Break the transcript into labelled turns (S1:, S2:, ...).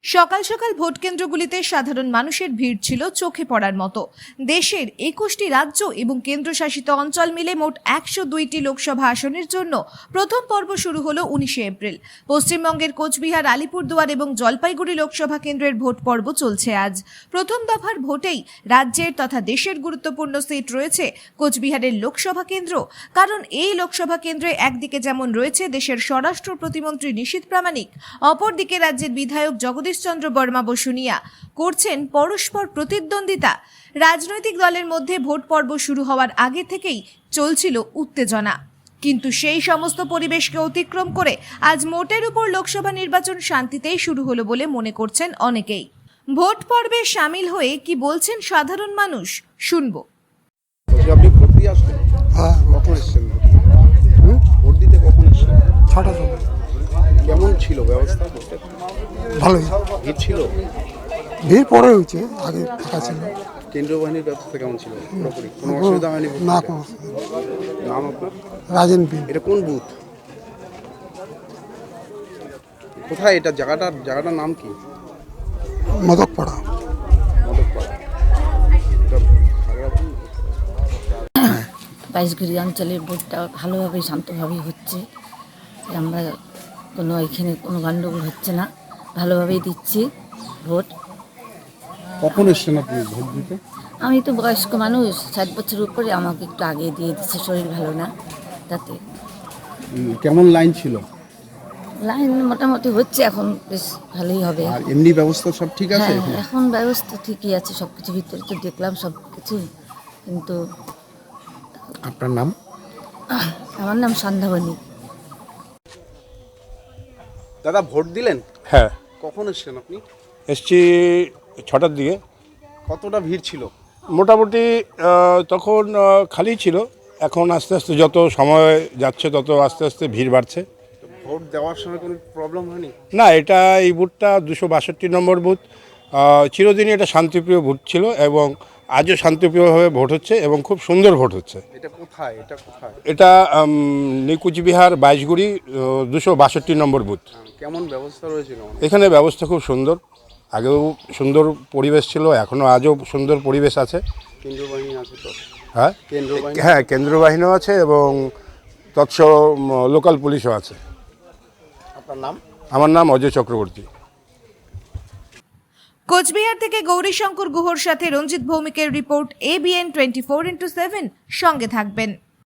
S1: সকাল সকাল ভোট কেন্দ্রগুলিতে সাধারণ মানুষের ভিড় ছিল চোখে পড়ার মতো। দেশের 21টি রাজ্য এবং কেন্দ্রশাসিত অঞ্চল মিলে মোট 102টি লোকসভা আসনের জন্য প্রথম পর্ব শুরু হলো 19 এপ্রিল। পশ্চিমবঙ্গের কোচবিহার, আলিপুরদুয়ার এবং জলপাইগুড়ি লোকসভা কেন্দ্রের ভোট পর্ব চলছে আজ। প্রথম দফার ভোটেই রাজ্যের তথা দেশের গুরুত্বপূর্ণ সিট রয়েছে কোচবিহারের লোকসভা কেন্দ্র। কারণ এই লোকসভা কেন্দ্রে একদিকে যেমন রয়েছে দেশের স্বরাষ্ট্র প্রতিমন্ত্রী নিশীথ প্রামাণিক, অপরদিকে রাজ্যের বিধায়ক জগদীশ চন্দ্র বর্মা বসুনিয়া করছেন পরস্পর প্রতিদ্বন্দ্বিতা। রাজনৈতিক দলের মধ্যে ভোট পর্ব শুরু হওয়ার আগে থেকেই চলছিল উত্তেজনা, কিন্তু সেই সমস্ত পরিবেশকে অতিক্রম করে আজ মোটের উপর লোকসভা নির্বাচন শান্তিতেই শুরু হলো বলে মনে করছেন অনেকেই। ভোট পর্বে সামিল হয়ে কি বলছেন সাধারণ মানুষ, শুনবো।
S2: আপনি ভোট দিয়ে আসলেন?
S3: হ্যাঁ,
S2: কখন এসেছেন? ভোট দিতে কখন এসেছেন?
S3: 6টার সময়।
S2: কেমন ছিল ব্যবস্থা?
S3: ভালোই।
S2: ভিড় ছিল?
S3: ভিড় পরে হয়েছে, আগে ফাঁকা ছিল।
S2: কেন্দ্রীয় বাহিনীর ব্যবস্থা কেমন ছিল? পুরোপুরি কোনো অসুবিধা হয়নি?
S3: না, কোনো অসুবিধা নেই।
S2: নাম আপনার?
S3: রাজেন বিন।
S2: এটা কোন বুথ? কোথায় এটা? জায়গাটার নাম কি?
S3: মদকপাড়া।
S2: মদকপাড়া। এটা খাগড়াছড়ি?
S4: বাইশগুড়ি অঞ্চলের ভোটটা ভালোভাবেই শান্তভাবেই হচ্ছে। আমরা এখানে কোনো গণ্ডগোল হচ্ছে না, ভালোভাবেই দিচ্ছি ভোট।
S2: কখন এসছেন আপনি ভোট দিতে?
S4: আমি তো বয়স্ক মানুষ, 60 বছরের উপরে, আমাকে একটু আগে দিয়ে দিচ্ছে, শরীর ভালো না তাতে।
S2: কেমন লাইন ছিল?
S4: লাইন মোটামুটি হচ্ছে, এখন বেশ ভালোই হবে।
S2: আর এমনি ব্যবস্থা সব ঠিক আছে?
S4: হ্যাঁ, এখন ব্যবস্থা ঠিকই আছে, সব কিছু ভিতরে তো দেখলাম সব কিছু। কিন্তু
S2: আপনার নাম?
S4: আমার নাম সন্ধ্যাবনী।
S2: দাদা ভোট দিলেন?
S5: হ্যাঁ,
S2: কখন এসছেন আপনি?
S5: এসছি 6টার দিকে।
S2: কতটা ভিড় ছিল?
S5: মোটামুটি তখন খালি ছিল। এখন আস্তে আস্তে যত সময় যাচ্ছে তত আস্তে আস্তে ভিড় বাড়ছে।
S2: ভোট দেওয়ার সময় কোনো প্রবলেম হয়নি?
S5: না, এই বুথটা 262 নম্বর বুথ। চিরদিনই এটা শান্তিপ্রিয় ভোট ছিল এবং আজও শান্তিপ্রিয়ভাবে ভোট হচ্ছে এবং খুব সুন্দর ভোট হচ্ছে।
S2: এটা কোথায়?
S5: এটা কোচবিহার বাইশগুড়ি 262 নম্বর বুথ।
S2: কেমন ব্যবস্থা রয়েছিল?
S5: এখানে ব্যবস্থা খুব সুন্দর, আগেও সুন্দর পরিবেশ ছিল, এখনও আজও সুন্দর পরিবেশ আছে।
S2: কেন্দ্রীয় বাহিনী আছে তো?
S5: হ্যাঁ,
S2: কেন্দ্রীয় বাহিনী?
S5: হ্যাঁ, কেন্দ্রীয় বাহিনীও আছে এবং তৎস লোকাল পুলিশও আছে।
S2: আপনার নাম?
S5: আমার নাম অজয় চক্রবর্তী।
S1: কোচবিহার থেকে গৌরীশঙ্কর গুহর সাথে রঞ্জিত ভৌমিকের রিপোর্ট, ABN 24x7। সঙ্গে থাকবেন।